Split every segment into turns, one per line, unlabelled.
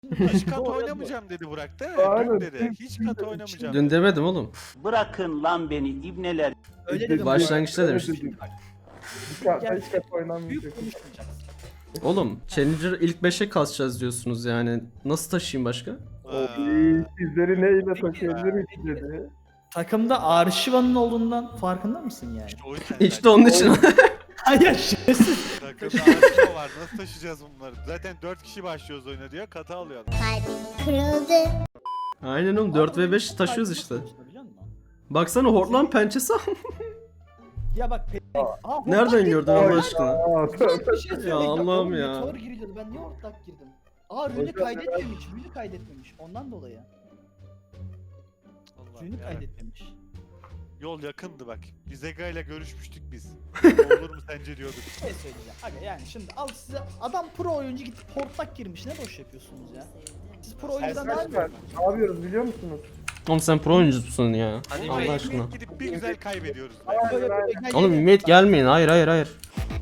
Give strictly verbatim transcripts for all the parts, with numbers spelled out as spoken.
Hiç kat oynamayacağım dedi Burak değil mi?
Aynen.
Dün dedi. Hiç kat oynamayacağım.
Dün demedim oğlum.
Bırakın lan beni ibneler.
Öyle dedim.
Başlangıçta
Öyle
demiştim.
dedim. Bir kağıtta hiç kap
Büyük
oynanmayacak.
konuşmayacaksın.
Oğlum Challenger ilk beşe kasacağız diyorsunuz yani. Nasıl taşıyayım başka?
Oy, sizleri neyle taşıyabilirim ki dedi.
Takımda Arşiva'nın olduğundan farkında mısın yani?
İşte o yüzden
İşte onun için.
Hayır şerefsiz.
Takımda Arşiva var. Nasıl taşıyacağız bunları? Zaten dört kişi başlıyoruz oyuna diyor. Kata alıyor.
Kalbim kırıldı.
Aynen oğlum dört ve beş taşıyoruz işte.
Biliyor musun?
Baksana Hortlan pençesi al.
Ya bak pe- Aa,
Nereden
hortlak
gördün
girdi.
Allah aşkına?
Aa,
Bir şey söyleyeyim.
Allah'ım
Oğlum,
ya.
Meteor giriliyordu. Ben niye hortlak girdim? Aa rünü
Hocam,
kaydetmemiş. Rünü kaydetmemiş. Ondan dolayı.
Allah'ım
Rünü
yarabbim.
kaydetmemiş.
Yol yakındı bak. Biz Ega ile görüşmüştük biz. Olur mu sence diyorduk.
Bir şey söyleyeceğim. Aga yani şimdi al size adam pro oyuncu gidip hortlak girmiş. Ne boş yapıyorsunuz ya? Siz pro oyuncudan daha
Arkadaşlar
mı?
ne yapıyoruz biliyor musunuz?
Oğlum sen pro oyuncusun ya.
Hadi
Allah aşkına.
Gidip bir güzel kaybediyoruz.
Böyle böyle gel-
Oğlum
gel-
Ümit gelmeyin. Hayır hayır hayır.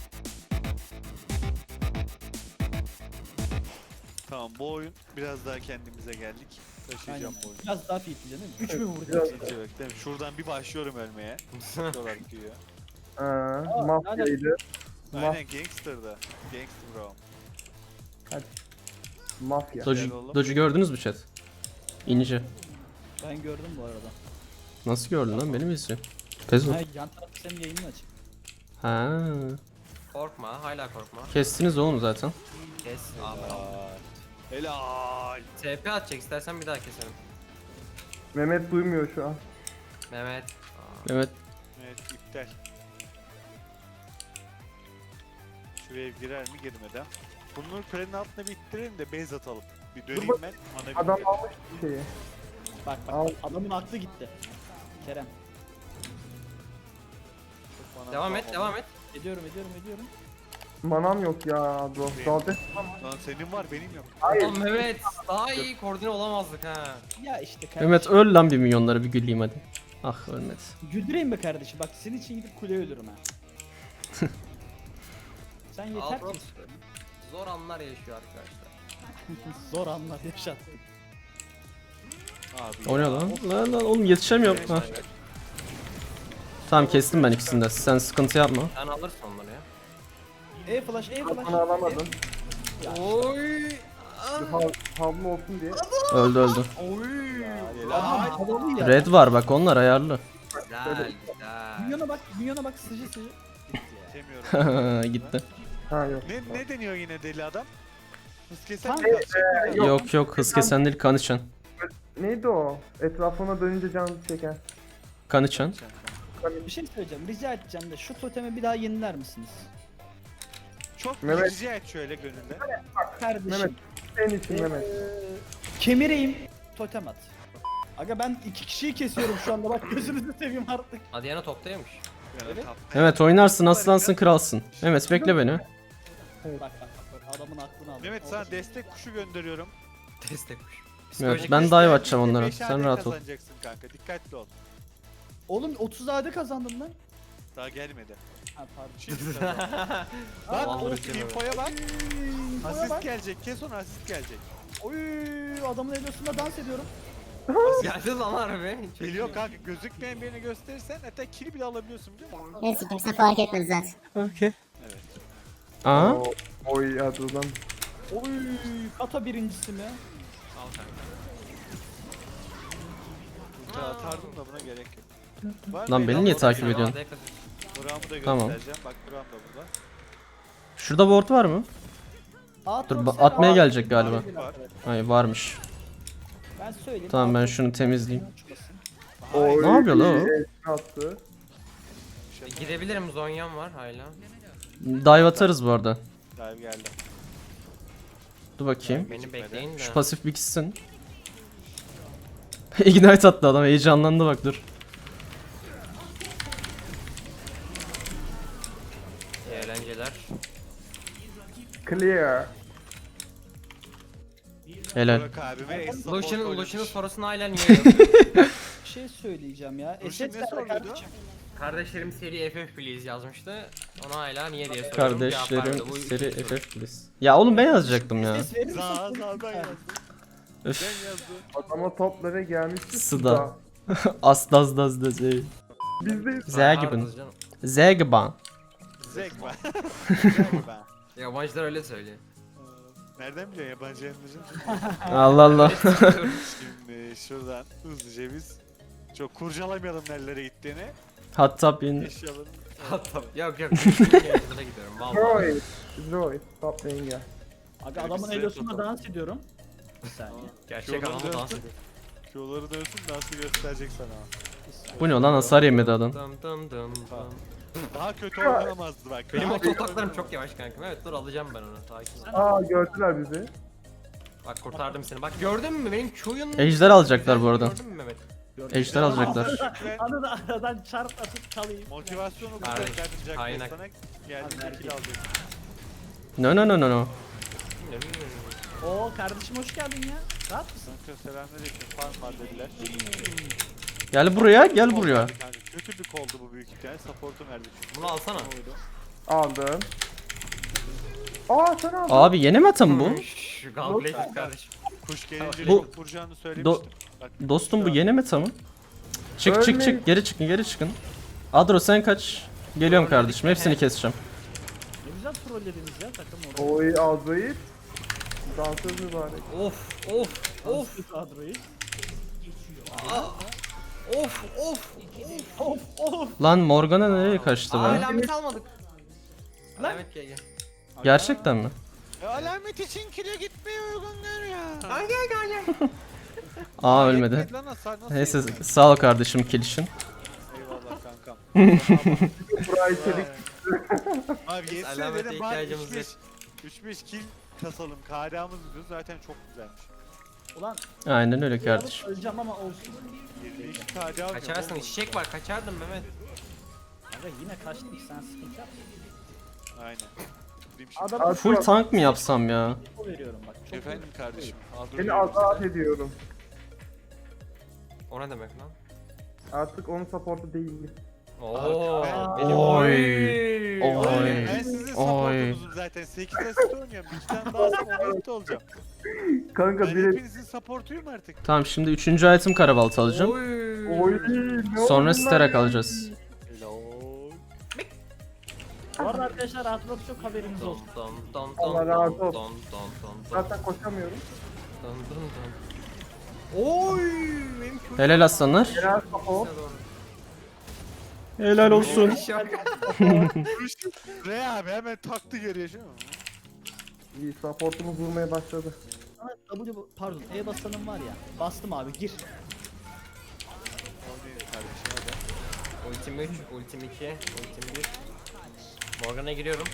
Tamam bu oyun biraz daha kendimize geldik. Taşıyacağım
Aynen.
bu oyunu.
Biraz daha fitli değil mi? üç mü vuracağız?
Biraz-
İkinci bak değil mi? Şuradan bir başlıyorum ölmeye. Diyorlar ki ya.
Aa, mafyaydı. Maf
Aynen gangster'da. Gangster bro.
mafya.
Doge'u
oğlum.
Doge'u gördünüz mü chat? İnce.
Ben gördüm bu arada.
Nasıl gördün lan? Beni mi izliyorsun? Pezo.
Ha, yan tarafta senin yayının açık.
Ha.
Korkma, hala korkma.
Kestiniz oğlum zaten.
Kes. Abi.
Helal.
T P atacak, istersen bir daha keselim.
Mehmet duymuyor şu an.
Mehmet.
Evet.
Evet iptal. Şuraya girer mi girmeden. Bunları kulenin altına bir ittirelim de base atalım. Bir döneyim ben. Ana
Adam
bir
almış bir şeyi.
Bak bak
Al.
adamın aklı gitti. Kerem.
Bana
Devam et,
tamam.
devam et.
Ediyorum ediyorum ediyorum.
Manam yok ya bro. Zaten
Lan senin var benim yok.
hayır.
Oğlum Mehmet, daha iyi koordine olamazdık ha.
Ya işte kardeşim.
Mehmet öl lan bir milyonları bir güleyim hadi. Ah ölmedi.
Güldüreyim mi kardeşim? Bak senin için gidip kuleye ölürüm ha. Sen yeter
Altın.
ki
Zor anlar yaşıyor arkadaşlar.
zor anlar yaşattın.
Abi
O ne
ya.
lan? Lan lan oğlum yetişemiyorum. Ha. Tamam kestim ben ikisini de. Sen sıkıntı yapma.
Sen alırsın onları ya.
E flash, e flash.
Bana alamadın.
Oy.
Hav havlu olsun diye.
Öldü öldü.
Oy.
Helal.
Havalı ya.
Red var bak onlar ayarlı.
Güzel, güzel.
Minyona bak, minyona bak sıcı sıcı.
Demiyorum.
Gitti.
Ha yok.
Ne, ne deniyor yine deli adam? Hız kesen
Kanka,
mi kalacak?
Yok.
Yok yok hız kesen değil kan içen.
Neydi o? Etrafına dönünce can çeken.
Kan içen.
Bir şey söyleyeceğim, rica edeceğim de şu totemi bir daha yeniler misiniz?
Çok
Mehmet.
rica et şöyle gönülde.
Kardeşim.
Mehmet. Senin için
Ee,
Mehmet.
kemireyim, totem at. Aga ben iki kişiyi kesiyorum şu anda bak gözünüzü seveyim artık.
Adiyana toptaymış.
Yani
Evet.
tap-
Evet oynarsın aslansın kralsın. Mehmet bekle beni.
Bak bak bak, bak adamın aklını aldım.
Mehmet sana destek kuşu gönderiyorum.
Destekmiş.
Evet ben dive atacağım onlara.
Beş
Sen
adet
rahat ol.
kazanacaksın kanka dikkatli ol.
Oğlum otuz A D kazandım lan.
Daha gelmedi.
Ha pardon.
Şimdi kazan. Bak
Vallahi
o
bitiremem.
infoya bak.
Bana
Asist
bak.
gelecek kes onu asist gelecek.
Oy adamın elosunda dans ediyorum.
Geldi lan harbi. Çok
Geliyor
iyi.
kanka gözükmeyen birini gösterirsen hatta kill bile alabiliyorsun biliyor musun?
Neyse kimse fark etmedi zaten.
Okey. Aa.
O- Oy hadi ulan.
Oy kata birincisi mi?
Al kanka.
Ulti atardım da buna gerek yok. Var
Lan
mı
beni
el
niye
al-
takip ediyorsun?
Buramı da
Tamam.
göstereceğim. Bak buram da burada.
Şurada ward var mı?
Aa,
Dur
çok
ba-
selam.
atmaya gelecek galiba.
Var.
Hayır varmış.
Ben söyleyeyim.
Tamam ben
Aa,
şunu temizleyeyim.
çıkmasın.
Oy.
Ne yapıyor lan o?
el attı.
E, Gidebilirim, Zonya'm var hala.
Dive atarız bu arada.
Dive geldi.
Dur bakayım.
Beni bekleyin de.
Şu pasif bir gitsin. Ignite attı adam heyecanlandı bak dur.
İyi eğlenceler.
Clear.
Helal.
Burak abime ace support
Lucian'ın
oynamış.
Lucian'ın sorusunu hala niye yazıyor?
Bir şey söyleyeceğim ya.
Dur,
Eset
ne
ver
soruyordu?
kardeşim.
Kardeşlerim seri F F please yazmıştı. Ona hala niye diye soruyorum. Cevap
Kardeşlerim
vermedi. Bu
seri
üçüncü soru.
F F please. Ya oğlum ben yazacaktım ya.
Ses verir misin?
Sağ sağ ben yazdım.
Öf.
Ben yazdım.
Adama toplara gelmişti.
Sıda. Asdaz daz daz ey.
Biz de
Zegibin.
Hardız canım.
Zegiban.
Zekba. Zekba.
Yabancılar öyle söylüyor.
Nereden biliyorsun yabancı yanımızın?
Allah Allah.
Şimdi şuradan hızlıca biz çok kurcalamayalım nerelere gittiğini.
Hatta bin.
Eşyaların
Hatta yok yok. Yayıncılığa gidiyorum vallahi.
Roy. Roy. Top lane gel.
Aga adamın
Elbise
elosunda
tutalım.
dans ediyorum. Bir saniye.
Gerçek
Yoldan
adamı dans
dönsün.
ediyor.
Q'ları dönsün nasıl gösterecek sana.
Bir saniye.
Bu ne lan, hasar yemedi adam.
Dum dum dum dum.
Daha kötü oynamazdı bak.
Benim
Daha
o
kötü
totaklarım
oynamazdı.
çok yavaş kankam. Evet dur alacağım ben onu. Sakin ol.
Aa gördüler bizi.
Bak kurtardım seni. Bak gördün mü benim Q'yun...
Ejder alacaklar bu arada.
Gördün mü Mehmet?
Ejder alacaklar.
Ve
Anı da aradan çarp atıp çalayım.
motivasyonu
Kardeş,
kurtardım Jack
kaynak.
sana geldiğinde kill alacak.
No no no no no.
Oo kardeşim hoş geldin ya. Rahat mısın?
Kanka selamünaleyküm farm var dediler.
Gel buraya, gel buraya.
Kanka, kötü bir koldu bu büyük ihtimalle. Support'u verdi çünkü.
Bunu alsana.
Aldım. Aa sen aldın.
Abi yeni mi atım bu?
Şu Galblade kardeşim.
Kuş gelince
Bu-
çok vuracağını söylemiştim. Bak,
Dostum bu yeni meta mı? Çık çık çık, geri çıkın, geri çıkın. Adro sen kaç. Geliyorum kardeşim, hepsini keseceğim.
Ne güzel trollediniz ya takım orada.
Oy Azrail. Dansöz mübarek.
Of of of
Of kadroyu.
of of.
Of of.
Lan Morgana nereye kaçtı
Aa,
be?
alamet almadık. Alamet gel gel.
Gerçekten mi?
E, alamet için kile gitmeye uygunlar ya.
Gel gel gel gel.
Aa ölmedi.
Yetmedi lan hasar, nasıl
Neyse
yetmedi?
sağ ol kardeşim kill için.
Eyvallah kankam.
Burayı çelik.
Abi yetse
alamete
dedim bari
ihtiyacımız yok.
üç beş kill kasalım. K D A'mız diyor zaten çok güzelmiş.
Ulan
Aynen öyle
bir alıp
kardeşim.
öleceğim ama olsun.
yirmi iki K D A
Kaçarsın çiçek var kaçardın Mehmet.
Aga yine kaçtım sen sıkıntı yapma.
Aynen. Gideyim şimdi.
Adamı
Full tank mı yapsam ya?
info veriyorum bak. Çok
Efendim kardeşim. Adro
Seni
geliyor
azat
size.
ediyorum.
O ne demek lan?
Artık onun supportu değil.
Oo.
ben-
benim-
Oy.
Oy.
Oy.
Ben sizin
Oy.
supportunuzum zaten. sekiz asist oynuyorum. Bir tane daha alsam on altı olacağım.
Kanka
Ben
biri...
hepinizin supportuyum artık.
Tamam şimdi üçüncü item karabaltı alacağım.
Oy.
Oy ne oldu
Sonra
lan?
sterak alacağız.
Helal.
Bu arada arkadaşlar rahatlıkla çok haberiniz
Don
olsun.
don don
Allah
don
razı
don
olsun.
don don don
Zaten koşamıyorum.
don don don. Oy. Benim çok
Helal aslanlar.
Genel support.
Helal olsun.
Re abi hemen taktı geriye şu an.
İyi supportumuz vurmaya başladı.
Sana W pardon E basanım var ya. Bastım abi gir.
Oynayın kardeşim hadi.
Ultim üç, ultim iki, ultim bir. Morgan'a giriyorum.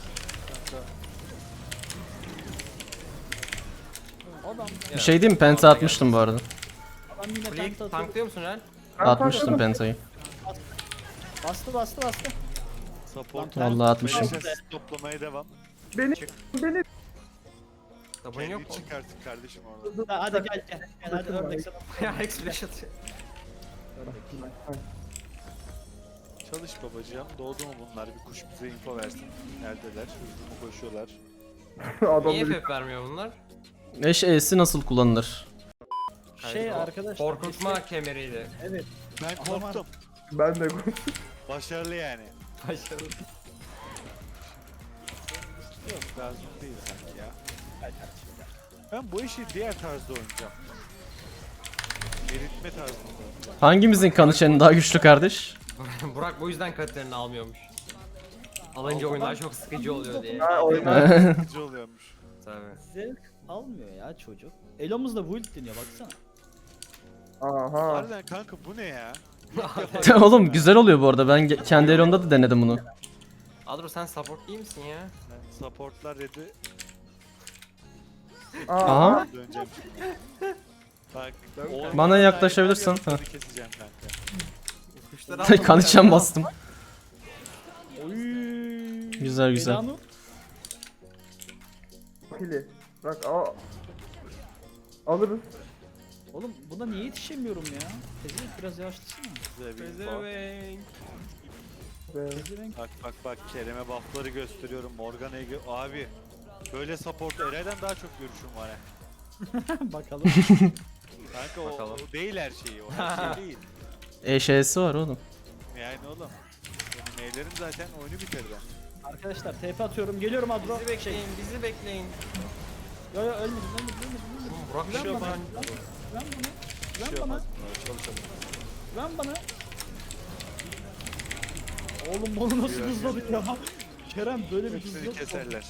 Adam
Bir şey diyeyim mi? Penta atmıştım bu arada.
adam yine
Kuleyi
tank atıyor.
tanklıyor musun lan?
Ben
Atmıştım
takladım.
pentayı.
Bastı bastı bastı.
Support.
Vallahi atmışım.
Beleş asist toplamaya devam.
Beni, beni
Tabun yok
Kendi
mu?
çık artık kardeşim orada.
Ha, hadi gel gel. Gel hadi ördek sana.
Ya Alex flash atıyor.
Çalış babacığım. Doğdu mu bunlar? Bir kuş bize info versin. Neredeler? Hızlı mı koşuyorlar?
adam
Niye
bir
F F vermiyor bunlar?
Eş E'si nasıl kullanılır?
Şey
Hayır, o
arkadaşlar.
Korkutma kemeriydi.
Evet.
Ben
Adam-
korktum.
ben de
Başarılı yani.
Başarılı.
Yok lazım değil sanki ya. Ben bu işi diğer tarzda oynayacağım. Eritme tarzında oynayacağım.
Hangimizin kanı çeni daha güçlü kardeş?
Burak bu yüzden katlarını almıyormuş. Alınca oyunlar çok sıkıcı oluyor diye.
Ha, oyun-
Sıkıcı oluyormuş.
Tabii.
Zevk almıyor ya çocuk. Elomuzda build deniyor baksana.
Aha.
Harbiden kanka bu ne ya? İlk defa
Oğlum
ya.
güzel oluyor bu arada. Ben ge- kendi elomda da denedim bunu.
Adro sen support değil misin ya?
Ben supportlar dedi.
Aha.
Aha.
Döneceğim şimdi. Bak.
Bana yaklaşabilirsin.
Ha.
Ha.
Keseceğim kanka.
Kuşları
Kan içen bastım.
Oy.
Güzel, güzel.
Elanur.
Pili. Bak aa. Alırız.
Oğlum buna niye yetişemiyorum ya? Pezevenk biraz yavaşlasana.
Güzel bir info.
Pezevenk.
Be.
Pezevenk.
Bak bak bak Kerem'e buffları gösteriyorum. Morgana'yı gö- Abi böyle support Eray'dan daha çok görüşüm var ha.
Bakalım.
Kanka o,
Bakalım.
o değil her şeyi. O her şey değil.
Eşeğesi var oğlum.
Yani oğlum. Benim neylerim zaten oyunu bitirdi.
Arkadaşlar T P atıyorum. Geliyorum Adro.
Bizi bekleyin, bizi bekleyin.
Yo yo ölmedim ölmedim ölmedim. ölmedim.
Oğlum Burak
Güven
şey
bana.
yapar.
Güven bana.
Bir şey
Güven bana.
olmaz. Çalışalım.
Güven bana. Oğlum bunu nasıl hızladık ya? Kerem böyle bir hız
Hepsini
yok.
keserler.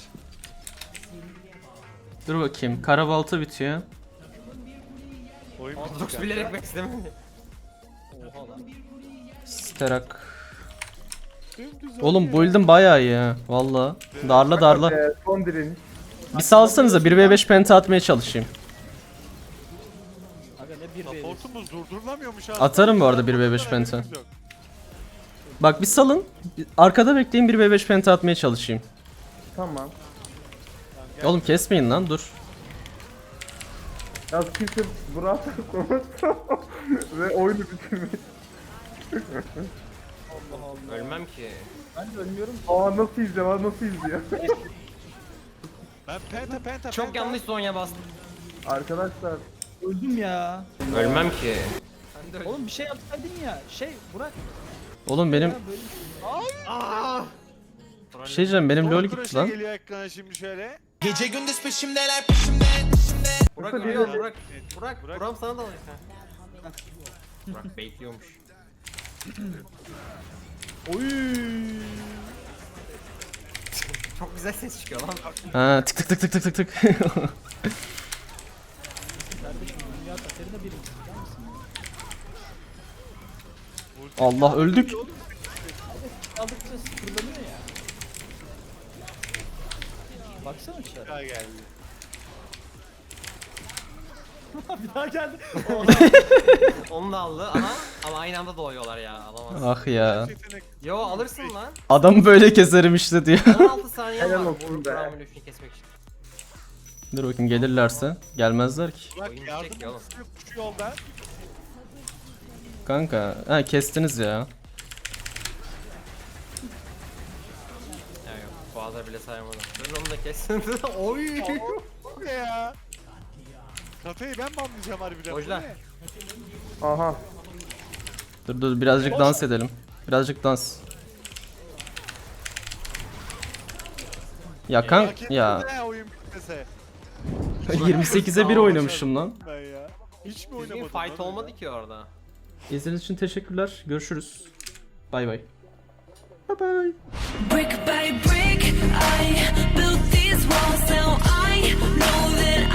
Dur bakayım. Karabalta bitiyor.
Oyun bitti
Adrox
kanka.
bilerek beslemedi.
Oha lan.
Sterak.
Dümdüz
Oğlum
oynuyor.
build'im bayağı iyi ha. Valla. Darla darla.
Ee, son direniş.
Bir salsanıza bir ve beş penta atmaya çalışayım.
Aga ne bir veriyorsun.
Supportumuz durdurulamıyormuş abi.
Atarım bu arada bir ve beş
Haberimiz
penta.
yok.
Bak bir salın. Arkada bekleyin bir ve beş penta atmaya çalışayım.
Tamam.
Tamam, gel.
Oğlum kesmeyin lan dur.
Ya kimse Burak'la konuştu ve oyunu bitirmiş.
Allah Allah.
Ölmem ki.
Ben de ölmüyorum.
Aa nasıl izliyor, aa nasıl izliyor.
Ben penta penta
Çok
penta.
yanlış Sonya bastım.
Arkadaşlar
Öldüm ya.
Ölmem ki. Ben de öldüm.
Oğlum bir şey yapsaydın ya. Şey Burak.
Oğlum benim
Ya böyle
Aaa!
bir şey diyeceğim benim
Son
lol
kroşe
gitti lan.
geliyor ekrana şimdi şöyle.
Gece gündüz peşimdeler peşimden peşimden.
Burak
Nasıl
ölüyor
diyor?
Burak. Burak,
Burak.
Burak sana da alır sen. Burak bekliyormuş.
Oy.
Çok güzel ses çıkıyor lan.
Ha tık tık tık tık tık tık tık.
Kardeşim dünya kaderine birinci. Biliyor musun?
Allah öldük.
Aldıkça sıfırlanıyor ya. Baksana dışarı.
Daha geldi.
Bir daha geldi.
Onu da aldı ama ama aynı anda doğuyorlar ya. Alamaz.
Ah ya.
Yetenek.
Yo alırsın lan.
Adamı böyle keserim işte diyor.
on altı saniye
Helal
var.
olsun
Vur
be.
Burak'ın ölüşünü kesmek için.
Dur bakayım gelirlerse. Gelmezler ki.
Bak
Oyun
yardım
bitecek ya oğlum.
istiyor şu yolda.
Kanka. Ha kestiniz ya.
Ya yok. Boğazlar bile sayamadım. Ben onu da kestim. Oy.
Bu ne ya? Kafayı ben mi anlayacağım harbiden? Bu
Ojda.
ne?
aha.
Dur dur birazcık dans edelim. Birazcık dans. Ya kank
Hak etmedi
ya
ha oyun bitmese.
yirmi sekize bir oynamışım lan.
Ben ya. Hiç mi
Düzgün
oynamadım?
fight
lan
olmadı
ya?
ki orada.
İzlediğiniz için teşekkürler. Görüşürüz. Bay bay. Bye bye.
Brick by brick, I built these walls. Now I know that